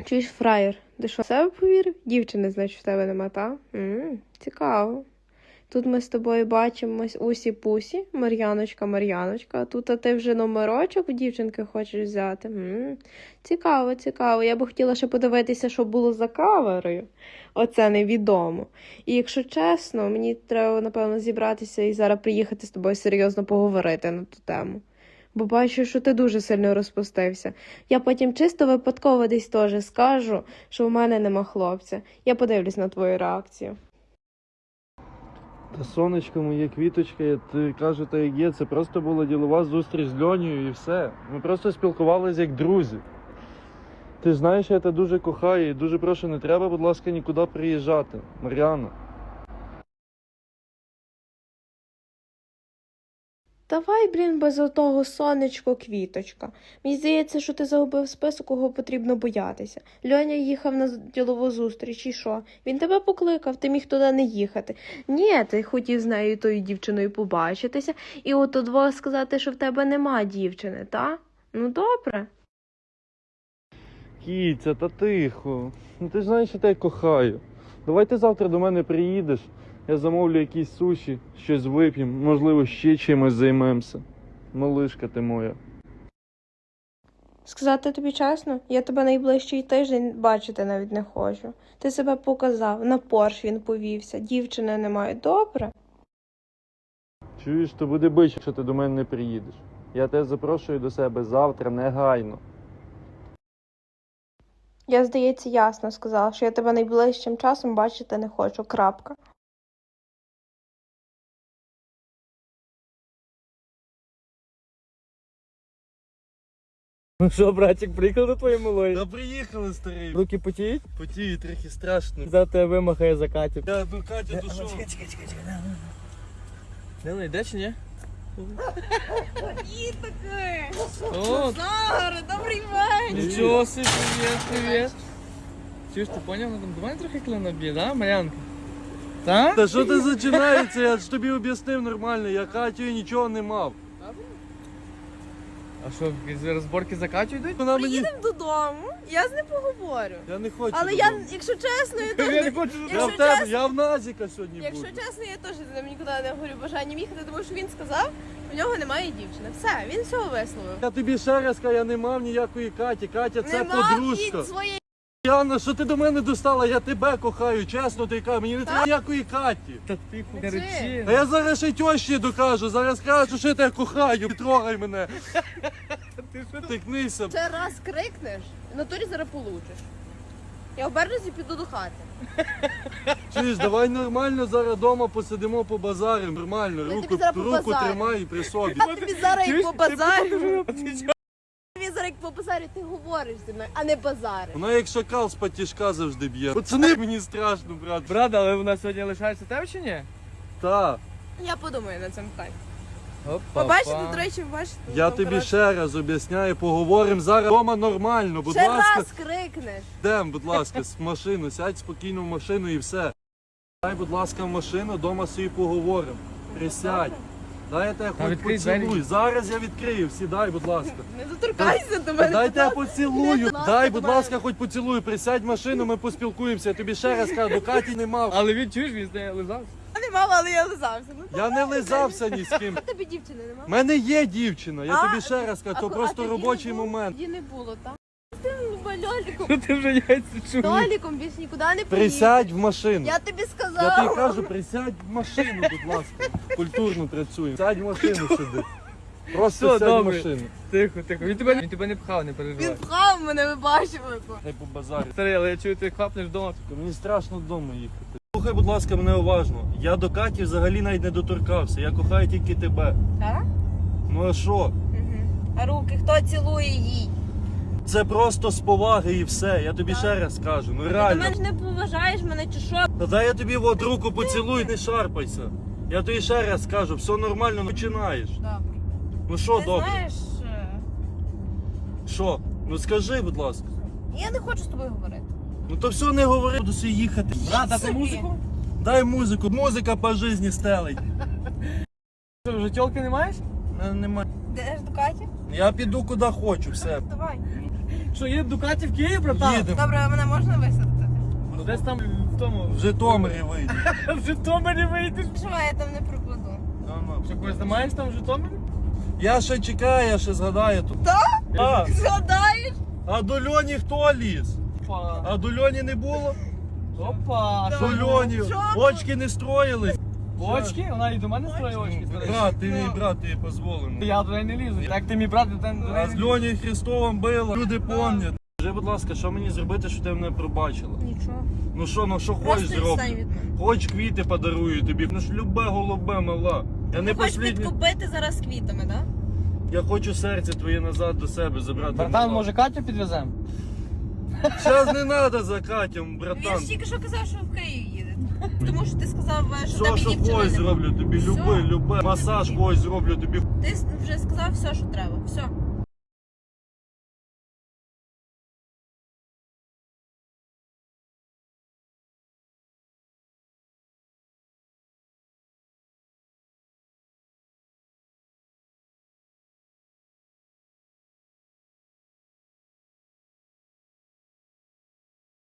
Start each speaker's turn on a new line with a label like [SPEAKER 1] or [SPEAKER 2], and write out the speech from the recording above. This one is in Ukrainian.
[SPEAKER 1] Чуєш, фраєр, ти що, в себе повірив? Дівчини, значить, в тебе нема, та? Цікаво. Тут ми з тобою бачимось усі-пусі, Мар'яночка, а тут ти вже номерочок у дівчинки хочеш взяти. Цікаво. Я би хотіла ще подивитися, що було за каверою. Оце невідомо. І якщо чесно, мені треба, напевно, зібратися і зараз приїхати з тобою серйозно поговорити на ту тему. Бо бачу, що ти дуже сильно розпустився. Я потім чисто випадково десь теж скажу, що в мене нема хлопця. Я подивлюсь на твою реакцію.
[SPEAKER 2] Та сонечко моє, квіточка, я ти кажу, та як є, це просто була ділова зустріч з Льонією і все. Ми просто спілкувалися як друзі. Ти ж знаєш, я тебе дуже кохаю і дуже прошу, не треба, будь ласка, нікуди приїжджати. Мар'яна.
[SPEAKER 1] Давай, без отого сонечко, квіточка. Мені здається, що ти загубив список, кого потрібно боятися. Льоня їхав на ділову зустріч, і що? Він тебе покликав, ти міг туди не їхати. Ні, ти хотів з нею, тою дівчиною, побачитися, і от удвох сказати, що в тебе нема дівчини, та? Ну, добре.
[SPEAKER 2] Кіця, та тихо. Ну ти ж знаєш, що я тебе кохаю. Давай ти завтра до мене приїдеш. Я замовлю якісь суші, щось вип'ємо, можливо, ще чимось займемося. Малишка ти моя.
[SPEAKER 1] Сказати тобі чесно, я тебе найближчий тиждень бачити навіть не хочу. Ти себе показав, на Порш він повівся, дівчини немає, добре?
[SPEAKER 2] Чуєш, то буде бич, якщо ти до мене не приїдеш. Я тебе запрошую до себе завтра негайно.
[SPEAKER 1] Я, здається, ясно сказала, що я тебе найближчим часом бачити не хочу, крапка.
[SPEAKER 3] Ну що, братик, приїхав до твоєї малої?
[SPEAKER 2] Та приїхали, старий.
[SPEAKER 3] Руки потіють?
[SPEAKER 2] Потію, трохи страшно.
[SPEAKER 3] За тебе вимахає за Катю.
[SPEAKER 2] Я до Катя дошов.
[SPEAKER 3] Чекай. Не йде чи ні?
[SPEAKER 4] І таке!
[SPEAKER 3] О,
[SPEAKER 4] Назаре, добрий вечір!
[SPEAKER 3] нічого собі, привіт. Чуєш, ти поняв, вона там до мене трохи клина б'є, да, Мар'янка? Так?
[SPEAKER 2] Та що ти починається? Я ж тобі об'яснив нормально, я Катю нічого не мав.
[SPEAKER 3] А що, якісь розборки за Катю йдуть?
[SPEAKER 2] Вона мені...
[SPEAKER 4] Приїдемо додому, я з ним поговорю.
[SPEAKER 2] Я не хочу.
[SPEAKER 4] Але
[SPEAKER 2] додому.
[SPEAKER 4] якщо чесно, я
[SPEAKER 3] Я
[SPEAKER 4] теж...
[SPEAKER 3] не хочу.
[SPEAKER 4] Якщо
[SPEAKER 2] Я в Назіка сьогодні
[SPEAKER 4] Якщо
[SPEAKER 2] буду.
[SPEAKER 4] чесно, я теж з ним нікуди не говорю бажанням їхати, тому що він сказав, в нього немає дівчини. Все, він все висловив.
[SPEAKER 2] Я тобі ще раз кажу, я не мав ніякої Каті. Катя це
[SPEAKER 4] Нема
[SPEAKER 2] подружка.
[SPEAKER 4] від своєї...
[SPEAKER 2] Яна, що ти до мене достала? Я тебе кохаю, чесно ти кажу, мені не треба ніякої Каті.
[SPEAKER 3] Та тихо, не
[SPEAKER 4] Ти.
[SPEAKER 3] речи.
[SPEAKER 2] А я зараз ще й тьощі докажу, зараз кажу, що я тебе кохаю, не трогай мене. Тикнися.
[SPEAKER 4] Ще раз крикнеш, в натурі зараз получиш. Я обернусь і піду до хати.
[SPEAKER 2] Чуєш, давай нормально зараз вдома посидимо по базарі, нормально,
[SPEAKER 4] Я
[SPEAKER 2] руку
[SPEAKER 4] тобі зараз
[SPEAKER 2] руку
[SPEAKER 4] побазарю.
[SPEAKER 2] тримай при собі.
[SPEAKER 4] А тобі зараз як
[SPEAKER 3] Чуєш,
[SPEAKER 4] по базарю. Тобі зараз як по базарю ти говориш зі мною, а не базариш.
[SPEAKER 2] Вона як шакал з патішка завжди б'є. Пацани, мені страшно, брат.
[SPEAKER 3] Брат, але вона сьогодні лишається тебе чи ні?
[SPEAKER 2] Та,
[SPEAKER 4] Я подумаю над цим питанням.
[SPEAKER 3] Опа.
[SPEAKER 4] Побачите, до речі, бачите.
[SPEAKER 2] я
[SPEAKER 4] там,
[SPEAKER 2] тобі
[SPEAKER 4] коротше,
[SPEAKER 2] ще раз об'ясняю, поговоримо зараз вдома нормально, будь
[SPEAKER 4] ще
[SPEAKER 2] ласка.
[SPEAKER 4] раз крикнеш.
[SPEAKER 2] Йдем, будь ласка, з машину, сядь спокійно в машину і все. Дай, будь ласка, в машину, вдома собі поговоримо. Присядь. Дай я тебе
[SPEAKER 3] Та
[SPEAKER 2] хоч
[SPEAKER 3] відкрий
[SPEAKER 2] поцілую.
[SPEAKER 3] двері.
[SPEAKER 2] Зараз я відкрию, сідай, будь ласка.
[SPEAKER 4] Не доторкайся до мене.
[SPEAKER 2] Дай
[SPEAKER 4] будь
[SPEAKER 2] тебе
[SPEAKER 4] ласка.
[SPEAKER 2] поцілую.
[SPEAKER 4] Будь ласка,
[SPEAKER 2] Дай,
[SPEAKER 4] до
[SPEAKER 2] будь
[SPEAKER 4] мене.
[SPEAKER 2] ласка, хоч поцілую. Присядь в машину, ми поспілкуємося. Я тобі ще раз кажу, до Каті не мав.
[SPEAKER 3] Але він чуєш, він з нею лизався.
[SPEAKER 4] Я не мала, але я лизався. Ну,
[SPEAKER 2] Я не лизався ні з ким.
[SPEAKER 4] а тобі дівчини нема?
[SPEAKER 2] У мене є дівчина, я
[SPEAKER 4] А,
[SPEAKER 2] тобі ще раз кажу,
[SPEAKER 4] А
[SPEAKER 2] це
[SPEAKER 4] ко-
[SPEAKER 2] просто
[SPEAKER 4] тоді
[SPEAKER 2] робочий
[SPEAKER 4] не було?
[SPEAKER 2] момент.
[SPEAKER 4] Тоді не було, так? З тим льоліком.
[SPEAKER 3] Що ти вже яйця чуєш?
[SPEAKER 4] Льоліком більш нікуди не поїдеш.
[SPEAKER 2] Присядь в машину.
[SPEAKER 4] Я тобі
[SPEAKER 2] Я
[SPEAKER 4] сказала.
[SPEAKER 2] тобі кажу, присядь в машину, будь ласка. Культурно працюємо. Сядь в машину сюди. Просто
[SPEAKER 3] Все,
[SPEAKER 2] сядь в
[SPEAKER 3] добре.
[SPEAKER 2] машину.
[SPEAKER 3] Тихо. Він тебе не пхав, не переживай.
[SPEAKER 4] Він пхав мене, ви бачили.
[SPEAKER 2] Хай по базарі.
[SPEAKER 3] Старий, але я чую, ти хапнеш вдома.
[SPEAKER 2] Мені страшно вдома їхати. Слухай, будь ласка, мене уважно. Я до Каті взагалі навіть не доторкався. Я кохаю тільки тебе.
[SPEAKER 4] Так?
[SPEAKER 2] Ну а що?
[SPEAKER 4] А руки хто цілує їй?
[SPEAKER 2] Це просто з поваги і все. Я тобі ще раз кажу. Ну
[SPEAKER 4] Ти до
[SPEAKER 2] реально.
[SPEAKER 4] мене ж не поважаєш мене чи що?
[SPEAKER 2] Та дай я тобі от руку поцілуй, не шарпайся. Я тобі ще раз кажу, все нормально, ну починаєш.
[SPEAKER 4] Добре.
[SPEAKER 2] Ну що
[SPEAKER 4] Ти
[SPEAKER 2] добре?
[SPEAKER 4] знаєш,
[SPEAKER 2] Що? Ну скажи, будь ласка.
[SPEAKER 4] я не хочу з тобою говорити.
[SPEAKER 2] Ну то все не говори, буду собі їхати.
[SPEAKER 3] Брат, а
[SPEAKER 4] собі.
[SPEAKER 3] ти музику?
[SPEAKER 2] Дай музику, музика по житті стелить.
[SPEAKER 3] Що, вже тілки не маєш?
[SPEAKER 2] Немає.
[SPEAKER 4] Йдеш до Каті?
[SPEAKER 2] Я піду куди хочу, все.
[SPEAKER 4] Давай.
[SPEAKER 3] Що, їде Дукаті в Київ, братан?
[SPEAKER 2] Їдемо.
[SPEAKER 4] Добре, а мене можна висадити?
[SPEAKER 3] Ну, десь там в тому.
[SPEAKER 2] В Житомирі вийде.
[SPEAKER 3] В Житомирі вийдеш.
[SPEAKER 4] Що я там не пропаду?
[SPEAKER 3] Що, когось знімаєш там в Житомирі?
[SPEAKER 2] Я ще чекаю, я ще згадаю тут. А,
[SPEAKER 4] Згадаєш?
[SPEAKER 2] а до Льоні хто ліз?
[SPEAKER 3] Опа.
[SPEAKER 2] А до Льоні не було?
[SPEAKER 3] Опа.
[SPEAKER 2] До Льоні
[SPEAKER 4] Що?
[SPEAKER 2] очки не строїлись.
[SPEAKER 3] Очки? Вона і до мене строє очки.
[SPEAKER 2] Брат, ти мій брат, тобі дозволено.
[SPEAKER 3] Я туди не лізу. Так ти мій брат, ти до
[SPEAKER 2] А з Льонею Христовим било, люди пам'ятають. Скажи, будь ласка, що мені зробити, щоб ти мене пробачила?
[SPEAKER 4] Нічого.
[SPEAKER 2] Ну що хочеш
[SPEAKER 4] Просто
[SPEAKER 2] зроблю?
[SPEAKER 4] відстань від мене.
[SPEAKER 2] Хоч квіти подарую тобі. Ну ж любе голубе, мала. Я не
[SPEAKER 4] Ти хочеш
[SPEAKER 2] послідній.
[SPEAKER 4] підкупити зараз квітами, так?
[SPEAKER 2] Я хочу серце твоє назад до себе забрати.
[SPEAKER 3] Братан, може Катю підвеземо?
[SPEAKER 2] Зараз не треба за Катям,
[SPEAKER 4] Він
[SPEAKER 2] братан.
[SPEAKER 4] ж тільки що казав, що в Київ їде. Тому що ти сказав, що
[SPEAKER 2] Все,
[SPEAKER 4] тебе
[SPEAKER 2] що
[SPEAKER 4] дівчина
[SPEAKER 2] хочеш
[SPEAKER 4] нема.
[SPEAKER 2] зроблю тобі,
[SPEAKER 4] Все.
[SPEAKER 2] любе. Масаж когось зроблю тобі.
[SPEAKER 4] Ти вже сказав все, що треба. Все.